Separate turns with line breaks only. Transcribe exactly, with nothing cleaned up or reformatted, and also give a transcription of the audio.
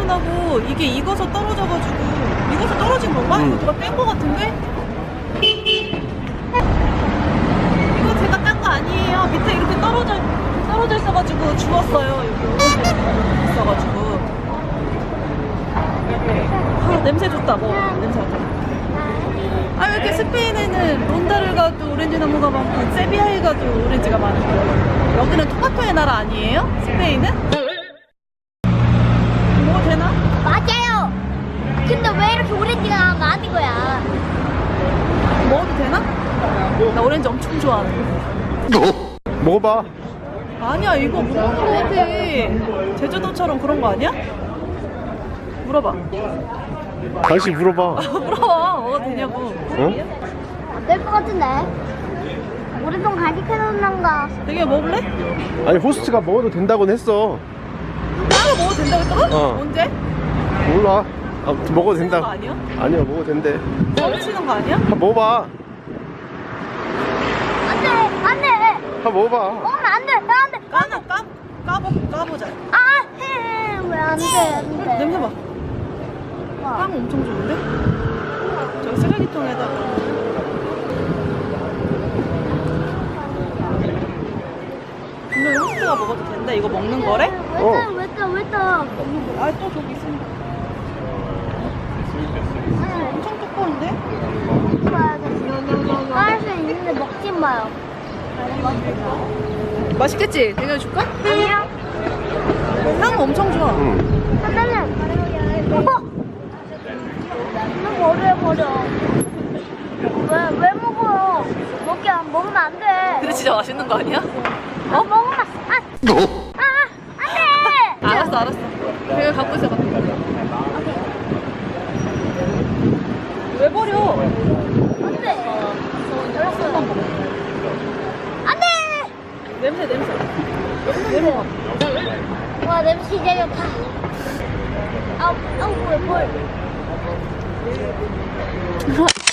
나고 이게 익어서 떨어져가지고 익어서 떨어진 건가?
음.
이거 누가 뗀 거 같은데? 이거 제가 딴 거 아니에요. 밑에 이렇게 떨어져 떨어져 있어가지고 주웠어요. 여기 오렌지 있어가지고. 아, 냄새 좋다. 뭐 냄새 맡아. 아, 왜 이렇게 스페인에는 론다르가도 오렌지 나무가 많고 세비야에가도 오렌지가 많은 거예요? 여기는 토마토의 나라 아니에요? 스페인은? 뭐 되나?
맞아요. 근데 왜 이렇게 오렌지가 많은 거야?
먹어도 되나? 나 오렌지 엄청 좋아하는데.
먹어봐.
아니야, 이거 못 먹는 거 같아. 제주도처럼 그런 거 아니야? 물어봐.
당신 물어봐.
물어봐. 먹어도 되냐고.
어?
안 될 것 같은데. 오랫동안 가지켜놓는가?
되게 먹을래?
아니 호스트가 먹어도 된다고는 했어.
따로 먹어도 된다고 했다고?
어.
언제?
몰라. 아무튼 먹어도
치는
된다.
거 아니야?
아니야 먹어도 된대.
뻥치는 거 아니야?
한번 먹어봐.
안 돼! 안 돼!
한번 먹어봐.
먹으면 안 돼! 안 돼!
까나 까 까보 까보자.
아! 해! 왜 안 돼? 안 돼?
냄새 봐.
와.
빵 엄청 좋은데? 저기 쓰레기통에다가. 분명히 호스트가 먹어도 된다. 이거 먹는 거래?
왜
어.
떠? 왜 떠? 왜 떠?
아, 또 저기 있습니다. 엄청 두꺼운데?
봐야 돼. 할수 있는데 먹지 마요.
맛있겠지? 내가 줄까?
아니요.
향 엄청 좋아.
응.
하나는 어? 왜 버려 버려? 왜 왜 먹어요? 먹게 안 먹으면 안 돼.
근데 진짜 맛있는 거 아니야?
어? 먹으면 아, 아, 안 돼.
알았어, 알았어. 내가 갖고 있어봐. 왜 버려?
안 돼. 알았어. 안 돼.
냄새, 냄새. 냄새 봐.
와 냄새 진짜 좋다. 아우 아우 왜 뭘?